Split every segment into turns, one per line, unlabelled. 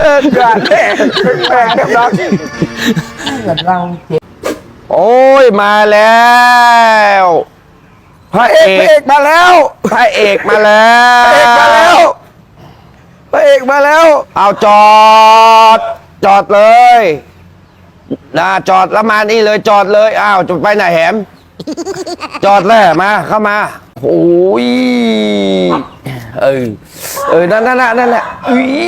อย่าแน่แปลกๆดัง
เกิดเราเจ็บ
โอ้ยมาแล้วพระ
เอ
เอก
กมาแล้ว
พระเอกมาแล้
พระเอกมาแล้ว
ว
พระเอกมาแล้ว
เอาจอดเลยจอดแล้วมานี่เลยจอดเลยอ้าวจะไปไหนแหมจอดแล้วมาเข้ามาโอ้ยนั่นแหละอุ้ย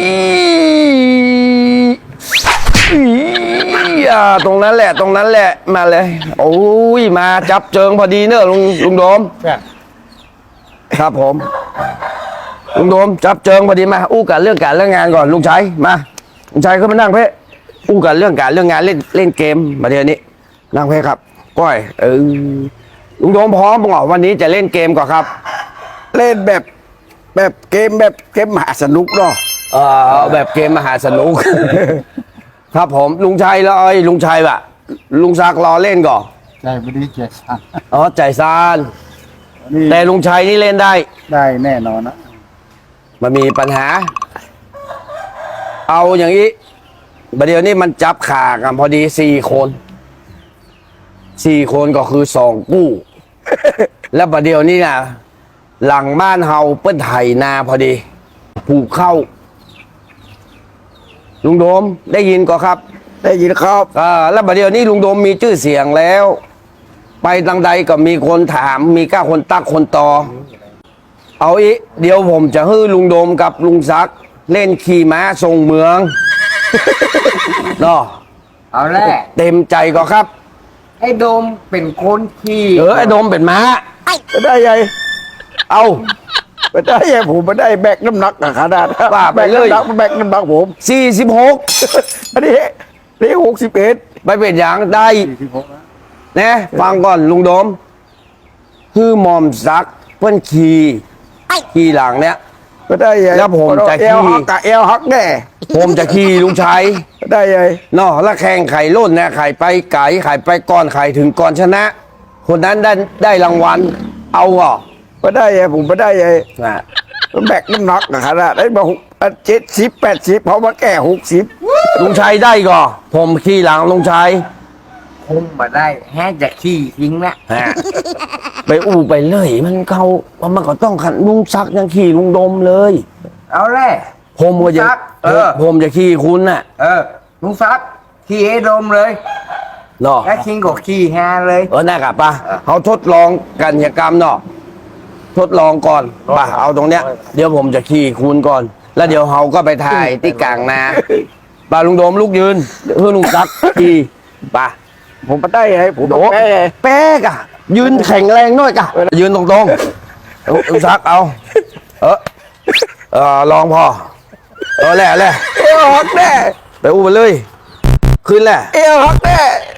ตรงนั้นแหละมาเลยโอ้ยมาจับเจิงพอดีเนอะลุงโดมครับผมลุงโดมจับเจิงพอดีมาอู้กันเรื่องการเรื่องงานก่อนลุงชัยมาลุงชัยขึ้นมานั่งเพ่อู้กันเรื่องการเรื่องงานเล่นเกมมาเดี๋ยวนี้นั่งเพ่ครับก้อยลุงโดมพร้อมบอกวันนี้จะเล่นเกมก่อนครับ
เล่นแบบเกมมหาสนุกเนาะ
แบบเกมมหาสนุก ครับผมลุงชัยแล้วลุงชัยว่ะลุงซักรอเล่นก่อน
ใจไม่ดีใจสั่น
ใจซาน
นี่
แต่ลุงชัยนี่เล่นได้
ได้แน่นอนนะ
มันมีปัญหา เอาอย่างนี้ประเดี๋ยวนี้มันจับขากันพอดี4 คนก็คือ2กู้ แล้วประเดี๋ยวนี้นะหลังบ้านเฮาเปิ้นไถนาพอดีผูกเข้าลุงโดมได้ยินก็ครับ
ได้ยินครับ
แล้วประเดี๋ยวนี้ลุงโดมมีชื่อเสียงแล้ว ไปทางใดก็มีคนถามมีก้าคนตักคนต่อเอาอีกเดี๋ยวผมจะให้ลุงโดมกับลุงซักเล่นขี่ม้าทรงเมือง เนาะ
เอาแรก
เต็มใจก็ครับ
ไอ้โดมเป็นคนขี่
ไอ้โดมเป็นม้า
ไม่ได้ไง
เอา
ไม่ได้ไงผมไม่ได้แบกน้ำหนักขนาด
ว่าไปเลย
แบกน้ำหนักผม
46
อันนี้61
ไปเป็นอย่างได้
46นะ
นะฟังก่อนลุงโดมคือหมอมซักเพื่อนขี่หลังเนี้ย
ไม่ได้ไง
แล้วผมจะขี่
เอวหักกับเอวหักแน่
ผมจะขี่ลุงชัย
ไม่ได้ไง
เนาะแล้วแข่งไข่ล้นเนี่ยไข่ไปไก่ไข่ไปก่อนไข่ถึงก่อนชนะ คนนั้นได้รางวัลเอาเหรอ
ไม่ได้ไงผมไม่ได้ไง
นะ
แบกน้ำหนักขนาดได้มา70 80เพราะมาแก่60
ลุงชัยได้ก่อผมขี่หลังลุงชัย
คงมาได้แค่จะขี่ทิ้งละ
ฮะไปอู้ไปเลยมันก็ต้องขันลุงซักยังขี่ลุงดมเลย
เอาแรก
ผมก็จะ
ลุงซัก
ผมจะขี่คุณน่ะ
ลุงซักขี่ไอ้โดมเลย
เนาะ
แล้วคิงก็ขี่แฮเลย
น่ากลับปะเขาทดลองกันยกรรมเนาะทดลองก่อนป่ะเอาตรงเนี้ยเดี๋ยวผมจะขี่คุณก่อน แล้วเดี๋ยวเขาก็ไปถ่ายที่กลางนาป่ะลุงโดมลุกยืนเพื่อลุงซักขี่ป่ะ
ผมไม่ได้ไงผม
โด
แพ้
แป๊กอะยืนแข็งแรงหน่อยกะยืนตรงๆลุงซักเอาลองพอแหละ
เอวหักแน่
ไปอู้ไปเลยขึ้นแหละ
เอวหักแน่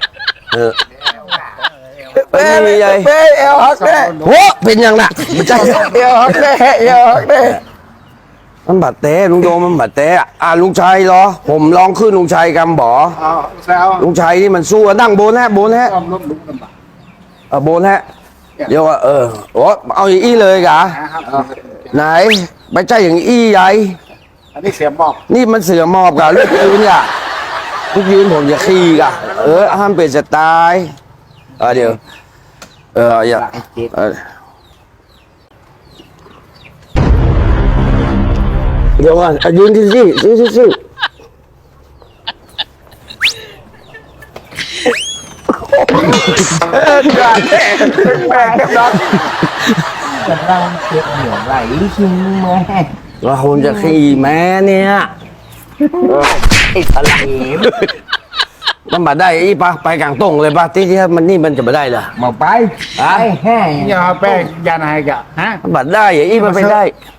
ไม่มีใหญ่
เอวหักแน่
โหเป็นยังน่ะไม่ใช่
เอวหักแน่เอวหักแน่
มันบาดเตะลุงโดมมันบาดเตะลุงชัยเหรอผมลองขึ้นลุงชัยกำบ่อ
แซว
ลุงชัยนี่มันสู้นั่งโบนฮะโบนฮะ
ความล้มลุกลำบาก
โบนฮะเดี๋ยวโอ้เอาอย่างอี้เลยกะ
นะครับ
ไหนไปใจอย่างอี้ใหญ่
อันนี้เสียหมอก
นี่มันเสือหมอบกะลูกยืนกะลูกยืนผมจะขี่กะห้ามเปลี่ยนสไตล์เดี๋ยวอย่าเดี๋ยวก่อนยืนที่สิ
อย่าแน่แบกน้ำหนัก
เกิดเราเจ็บเหนียวไหลคิงแม่
ว่าผมจะขี่แม่เนี่ย
ไอ้ทะเล
มันมาได้อีปะไปกลางตรงเลยปะที่มันจะมาได้เหรอ
มาไปไอ้แห่
อย่าแบกอย่านายกะฮะ
มันมาได้อีมันไปได้